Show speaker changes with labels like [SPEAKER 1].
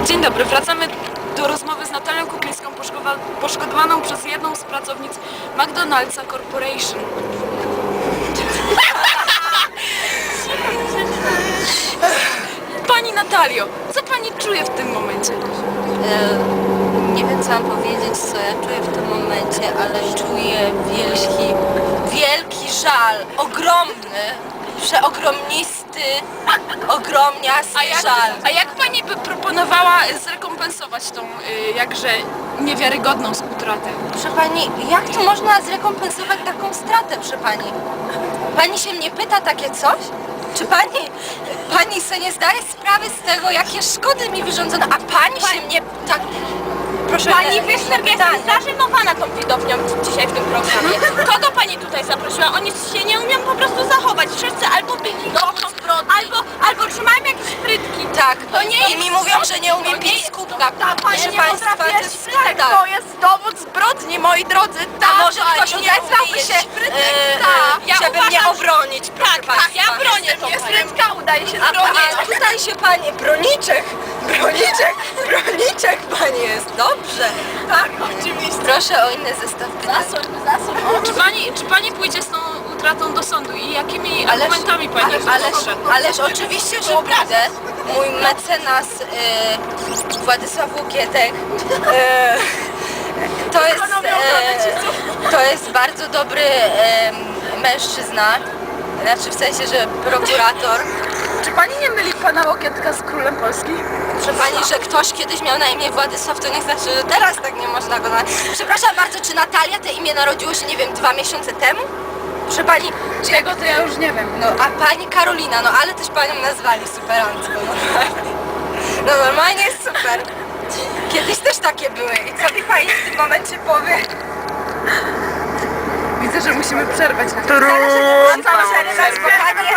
[SPEAKER 1] Dzień dobry, wracamy do rozmowy z Natalią Kuklińską, poszkodowaną przez jedną z pracownic McDonald'sa Corporation. Pani Natalio, co pani czuje w tym momencie?
[SPEAKER 2] Nie wiem, co mam powiedzieć, co ja czuję w tym momencie, ale czuję wielki żal, ogromny, przeogromnisty, ogromniasty żal.
[SPEAKER 1] A jak pani by proponowała zrekompensować tą jakże niewiarygodną utratę?
[SPEAKER 2] Proszę pani, jak to można zrekompensować taką stratę, proszę pani? Pani się mnie pyta takie coś? Czy pani sobie nie zdaje sprawy z tego, jakie szkody mi wyrządzono, a pani się mnie tak... Proszę,
[SPEAKER 3] Pani Wieszner jest zażenowana tą widownią dzisiaj w tym programie. Kogo pani tutaj zaprosiła? Oni się nie umieją po prostu zachować. Wszyscy albo byli albo trzymają jakieś frytki.
[SPEAKER 2] Tak,
[SPEAKER 3] To nie
[SPEAKER 2] i
[SPEAKER 3] jest
[SPEAKER 2] mi mówią, że nie umiem
[SPEAKER 3] to nie
[SPEAKER 2] pić z
[SPEAKER 3] jest-
[SPEAKER 2] kubka.
[SPEAKER 3] Pani
[SPEAKER 2] Proszę
[SPEAKER 3] nie
[SPEAKER 2] państwa, to
[SPEAKER 3] potrafi
[SPEAKER 2] jest
[SPEAKER 3] jeść frytek,
[SPEAKER 2] skandal.
[SPEAKER 3] to jest dowód zbrodni, moi drodzy.
[SPEAKER 2] A może ktoś odezwałby się,
[SPEAKER 3] Ja
[SPEAKER 2] żeby mnie
[SPEAKER 3] uważam,
[SPEAKER 2] obronić, proszę
[SPEAKER 3] Tak,
[SPEAKER 2] państwa.
[SPEAKER 3] ja bronię tą panią. Frytka udaje się
[SPEAKER 2] A tutaj się pani, broniczek pani jest, dobrze.
[SPEAKER 3] Tak, oczywiście.
[SPEAKER 2] Proszę o inny zestaw pytań.
[SPEAKER 1] Czy pani pójdzie z tą utratą do sądu i jakimi argumentami pani poprze?
[SPEAKER 2] Ależ oczywiście, że pójdę. Mój mecenas Władysław Łokietek to jest bardzo dobry mężczyzna. Znaczy w sensie, że prokurator.
[SPEAKER 1] Czy pani nie myli pana Łokietka z królem Polski?
[SPEAKER 2] Proszę pani, że ktoś kiedyś miał na imię Władysław, to nie znaczy, że teraz tak nie można go nazwać. Przepraszam bardzo, czy Natalia te imię narodziło się, nie wiem, 2 miesiące temu? Proszę pani,
[SPEAKER 1] Czego to ja już nie wiem.
[SPEAKER 2] no a pani Karolina, no ale też panią nazwali superancko. No normalnie jest super. Kiedyś też takie były. I co mi pani w tym momencie powie?
[SPEAKER 1] Widzę, że musimy przerwać.
[SPEAKER 2] Bo pani